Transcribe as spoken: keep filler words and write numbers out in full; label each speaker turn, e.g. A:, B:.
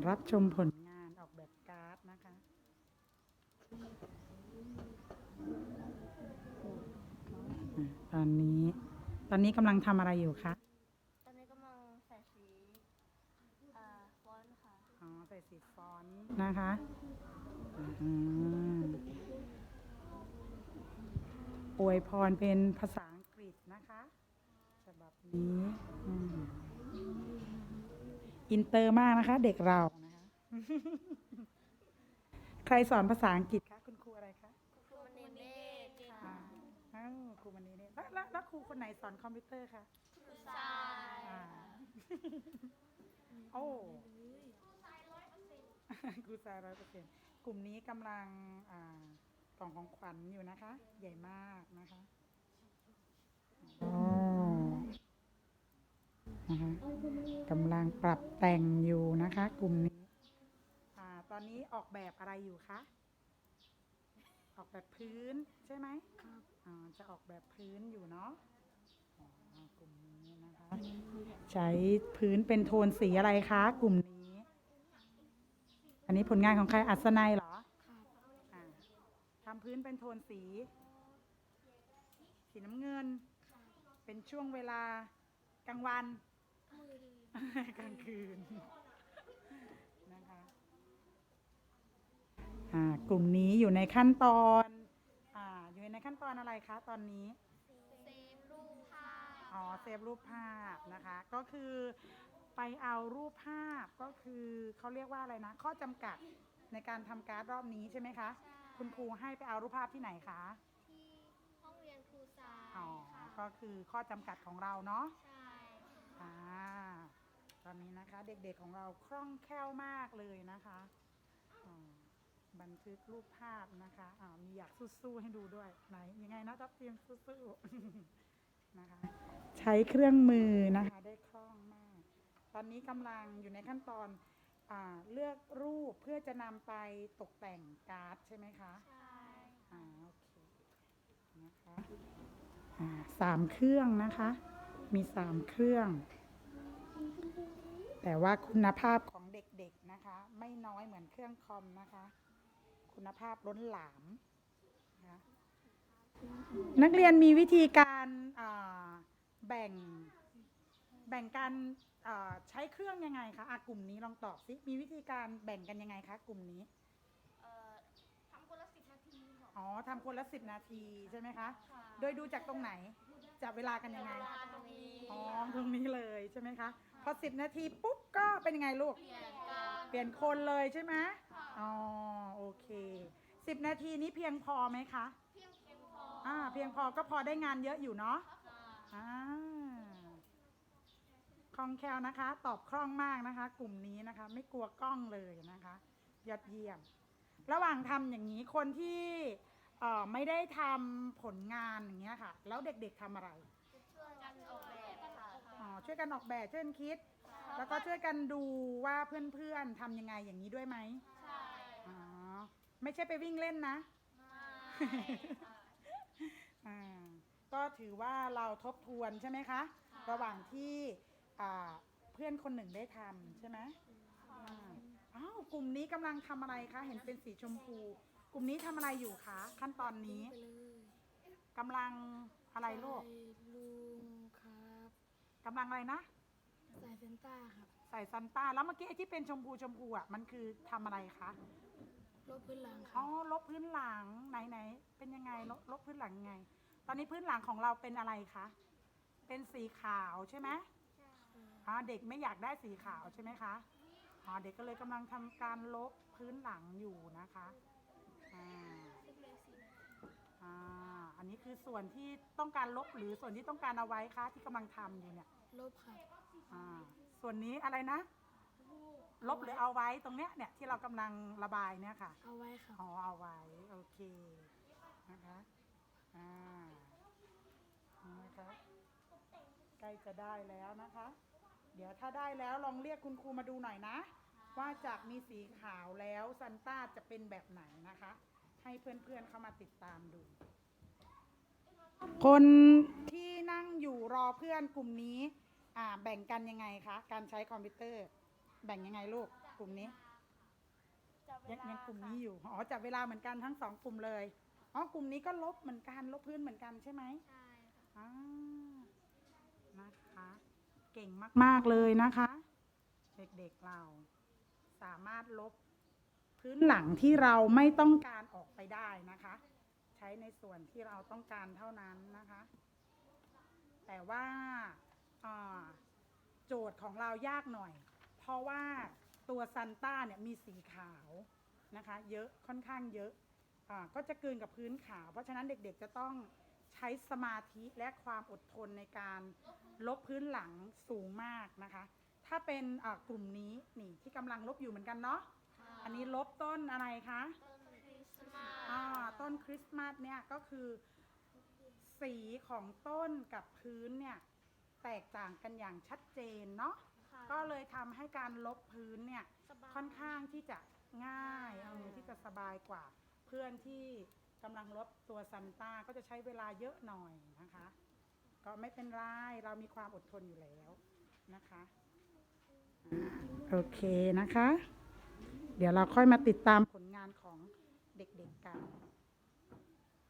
A: รับชมผลงานออกแบบการ์ดนะคะตอนนี้ตอนนี้กำลังทำอะไรอยู่คะ
B: ตอนนี้กำลังใส่สีอ่าฟอนต์ค่ะ
A: อ๋อใส่สีฟอนต์นะคะอืมอวยพรเป็นภาษาอังกฤษนะคะฉบับนี้อืมอินเตอร์มากนะคะเด็กเรานะคะ ใครสอนภาษาอังกฤษคะคุณครูอะไรคะ
B: ครูมณีเนตรค่ะ
A: อ่าอ้าวครูมันนี้เนี่ยแล้วแล้วแล้วครูคนไหนสอนคอมพิวเตอร์คะ
B: ครูทราย
A: อ่า โอ้ครูทรายร้อยเปอร์เซ็นต์กลุ่มนี้กำลังอ่ากล่องของขวัญอยู่นะคะ ใหญ่มากนะคะอ๋อนะคะกำลังปรับแต่งอยู่นะคะ กลุ่มนี้อ่าตอนนี้ออกแบบอะไรอยู่คะออกแบบพื้นใช่ไหมครับอ่าจะออกแบบพื้นอยู่เนาะอ๋อกลุ่มนี้นะคะใช้พื้นเป็นโทนสีอะไรคะกลุ่มนี้อันนี้ผลงานของใครอัศนัยเหรออ่าทำพื้นเป็นโทนสีสีน้ำเงินเป็นช่วงเวลากลางวัน กลางคืนนะคะอ่ากลุ่มนี้อยู่ในขั้นตอนอ่าอยู่ในขั้นตอนอะไรคะตอนนี้
B: เซฟรูปภาพ
A: อ๋อเซฟรูปภาพนะคะก็คือไปเอารูปภาพก็คือเขาเรียกว่าอะไรนะข้อจำกัดในการทำการ์ดรอบนี้ใช่ไหมคะคุณครูให้ไปเอารูปภาพที่ไหนคะ
B: ที่ห้องเรียนครูทราย
A: อ๋อ
B: ค่ะ
A: ก็คือข้อจำกัดของเราเนาะ
B: ใช่
A: อ่าตอนนี้นะคะเด็กๆของเราคล่องแคล่วมากเลยนะคะบันทึกรูปภาพนะคะอ่ามีอยากสู้ๆให้ดูด้วยไหนยังไงนะทัพทีมสู้ๆนะคะใช้เครื่องมือนะคะได้คล่องมากตอนนี้กำลังอยู่ในขั้นตอนอ่าเลือกรูปเพื่อจะนำไปตกแต่งการ์ดใช่ไหมคะ
B: ใช่
A: อ่าโอเคนะคะอ่าสามเครื่องนะคะมีสามเครื่อง แต่ว่าคุณภาพของเด็กๆนะคะไม่น้อยเหมือนเครื่องคอมนะคะคุณภาพล้นหลามนะคะนักเรียนมีวิธีการแบ่งแบ่งการใช้เครื่องยังไงคะกลุ่มนี้ลองตอบสิมีวิธีการแบ่งกันยังไงคะกลุ่มนี้
B: ทำคนละสิบนาทีค่ะ
A: อ๋อทำคนละสิบนาทีใช่ไหมคะ
B: ค่ะ
A: โดยดูจากตรงไหนจับเวลากันยังไง
B: ตรงนี้
A: อ๋อตรงนี้เลยใช่ไหมคะพอสิบนาทีปุ๊บก็เป็นยังไงลูก
B: เปลี่ยนการ
A: เปลี่ยนคนเลยใช่ไหมอ๋อโอเคสิบนาทีนี้เพียงพอไหมคะ
B: เพียงเพียงพอ
A: อ่าเพียงพอก็พอได้งานเยอะอยู่เนาะอ่าคล่องแคล่วนะคะตอบคล่องมากนะคะกลุ่มนี้นะคะไม่กลัวกล้องเลยนะคะยอดเยี่ยมระหว่างทำอย่างนี้คนที่ไม่ได้ทำผลงานอย่างเงี้ยค่ะแล้วเด็กๆทำอะไร
B: ช่วยกันออกแบบค่ะ
A: อ๋อช่วยกันออกแบบช่วยกันคิดแล้วก็ช่วยกันดูว่าเพื่อนๆทำยังไงอย่างนี้ด้วยไหม
B: ใช่
A: อ๋อไม่ใช่ไปวิ่งเล่นนะก็ถือว่าเราทบทวนใช่ไหมคะระหว่างที่เพื่อนคนหนึ่งได้ทำใช่ไหมอ้าวกลุ่มนี้กำลังทำอะไรคะเห็นเป็นสีชมพูกลุ่มนี้ทำอะไรอยู่คะขั้นตอนนี้กำลังอะไรลูก
C: ลุงครับ
A: กำลังอะไรนะ
C: ใส่เซนต้าครับ
A: ใส่ซันต้าแล้วเมื่อกี้ไอ้ที่เป็นชมพูชมพูอ่ะมันคือทำอะไรคะ
C: ลบพื้นหลังค
A: อ๋
C: รั
A: อบ ลบพื้นหลังไหนไหนเป็นยังไงลบลบพื้นหลังยังไงตอนนี้พื้นหลังของเราเป็นอะไรคะเป็นสีขาวใช่ไหมอ๋อเด็กไม่อยากได้สีขาวใช่ไหมคะอ๋อเด็กก็เลยกำลังทำการลบพื้นหลังอยู่นะคะอ่าอ่าอันนี้คือส่วนที่ต้องการลบหรือส่วนที่ต้องการเอาไว้คะที่กำลังทำอยู่เนี่ย
C: ลบครับ
A: อ่าส่วนนี้อะไรนะลบหรือเอาไว้ตรงเนี้ยเนี่ยที่เรากำลังระบายเนี่ยค่ะ
C: เอาไว้ครับ
A: อ๋อเอาไว้โอเคนะคะอ่านี่นะคะใกล้จะได้แล้วนะคะเดี๋ยวถ้าได้แล้วลองเรียกคุณครูมาดูหน่อยนะว่าจากมีสีขาวแล้วซันต้าจะเป็นแบบไหนนะคะให้เพื่อนๆเข้ามาติดตามดูคนที่นั่งอยู่รอเพื่อนกลุ่มนี้อ่าแบ่งกันยังไงคะการใช้คอมพิวเตอร์แบ่งยังไงลูกกลุ่มนี้
B: จับเว
A: ยัง
B: ลา
A: ยังกลุ่ม
B: ค่ะ
A: นี้อยู่อ๋อจับเวลาเหมือนกันทั้งสองกลุ่มเลยอ๋อกลุ่มนี้ก็ลบเหมือนกันลบพื้นเหมือนกันใช่ไหม
B: ใช่ค่ะ
A: อ่านะคะ เก่งมากๆเลยนะคะ เด็กๆเราสามารถลบพื้นหลังที่เราไม่ต้องการออกไปได้นะคะ ใช้ในส่วนที่เราต้องการเท่านั้นนะคะ แต่ว่าอ่าโจทย์ของเรายากหน่อย เพราะว่าตัวซันต้าเนี่ยมีสีขาวนะคะเยอะค่อนข้างเยอะอ่าก็จะกลืนกับพื้นขาว เพราะฉะนั้นเด็กๆจะต้องใช้สมาธิและความอดทนในการลบพื้นหลังสูงมากนะคะ ถ้าเป็นอ่ากลุ่มนี้นี่ที่กำลังลบอยู่เหมือนกันเนาะอันนี้ลบต้นอะไรคะ
B: ต้นคริสต์มาส
A: อ่าต้นคริสต์มาสเนี่ยก็คือสีของต้นกับพื้นเนี่ยแตกต่างกันอย่างชัดเจนเนาะ
B: ค่ะ
A: ก็เลยทำให้การลบพื้นเนี่ย
B: สบาย
A: ค่อนข้างที่จะง่ายเออที่จะสบายกว่า เพื่อนที่กำลังลบตัวซันต้าก็จะใช้เวลาเยอะหน่อยนะคะ ก็ไม่เป็นไรเรามีความอดทนอยู่แล้วนะคะอ่าโอเคนะคะ เดี๋ยวเราค่อยมาติดตามผลงานของเด็กๆกัน